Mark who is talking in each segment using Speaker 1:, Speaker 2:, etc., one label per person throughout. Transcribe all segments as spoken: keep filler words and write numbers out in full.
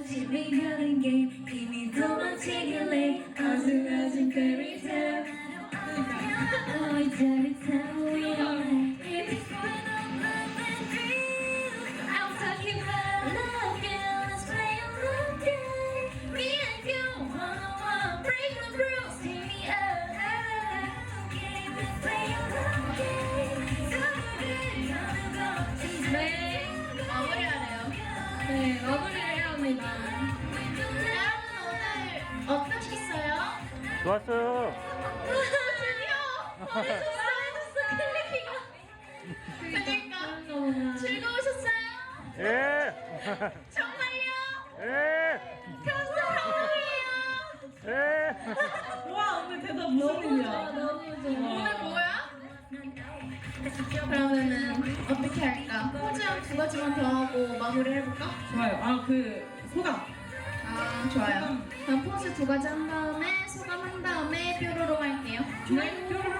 Speaker 1: 재미가는 게 힘이 도망치길래 아슬아슬 fairytale Oh every time we are If it's going on love and dream I'm talking about love girl Let's play a love game Me and you one-on-one Break the rules Take me up Let's play a love game So good Gonna go 네 마무리하래요. 네 마무리를 해야 합니다. 여러분 오늘 어떠셨어요?
Speaker 2: 좋았어요.
Speaker 1: 드디어 잘해줬어 클리피가 그러니까 즐거우셨어요?
Speaker 2: 예.
Speaker 1: 정말요?
Speaker 2: 예.
Speaker 1: 감사합니다.
Speaker 2: 예.
Speaker 3: 와 오늘 대답 무슨 일이야?
Speaker 1: 너무 좋아. 오늘 뭐야? 그러면은 어떻게 할까? 포즈 한 두 가지만 더 하고 마무리 해볼까?
Speaker 3: 좋아요. 아 그 소감.
Speaker 1: 아 좋아요. 그럼 포즈 두 가지 한 다음에 소감 한 다음에 뾰로로 할게요.
Speaker 3: 네. 뾰로로.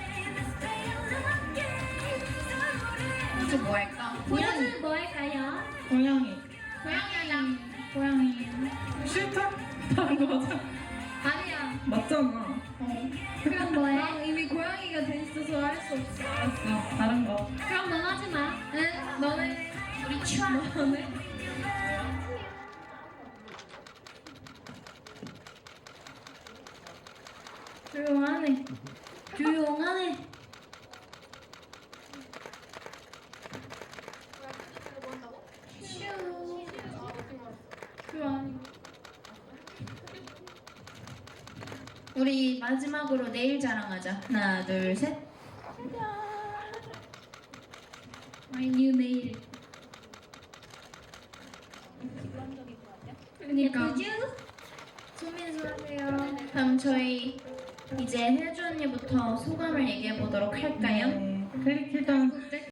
Speaker 1: 포즈 뭐 할까?
Speaker 4: 포즈 뭐 할까요?
Speaker 3: 고양이.
Speaker 1: 고양이 하자. 고양이.
Speaker 3: 싫다? 다른 거 하자.
Speaker 1: 아니야.
Speaker 3: 맞잖아.
Speaker 1: 어.
Speaker 4: 그럼 뭐해?
Speaker 1: 난 이미 고양이가 돼 있어서 할 수 없어.
Speaker 3: 알았어. 다른 거.
Speaker 4: 그럼 넌 하지 마.
Speaker 1: 응? 너는 우리 추아. 너는? 조용하네. 조용하네. 슈. 슈 아니고. 우리 마지막으로 내일 자랑하자. 하나, 둘, 셋. My new nail. 그러니까.
Speaker 4: 예쁘죠?
Speaker 1: 소민수 하세요. 그럼 저희 이제 혜주 언니부터 소감을 얘기해 보도록 할까요?
Speaker 3: 네. 클릭 일단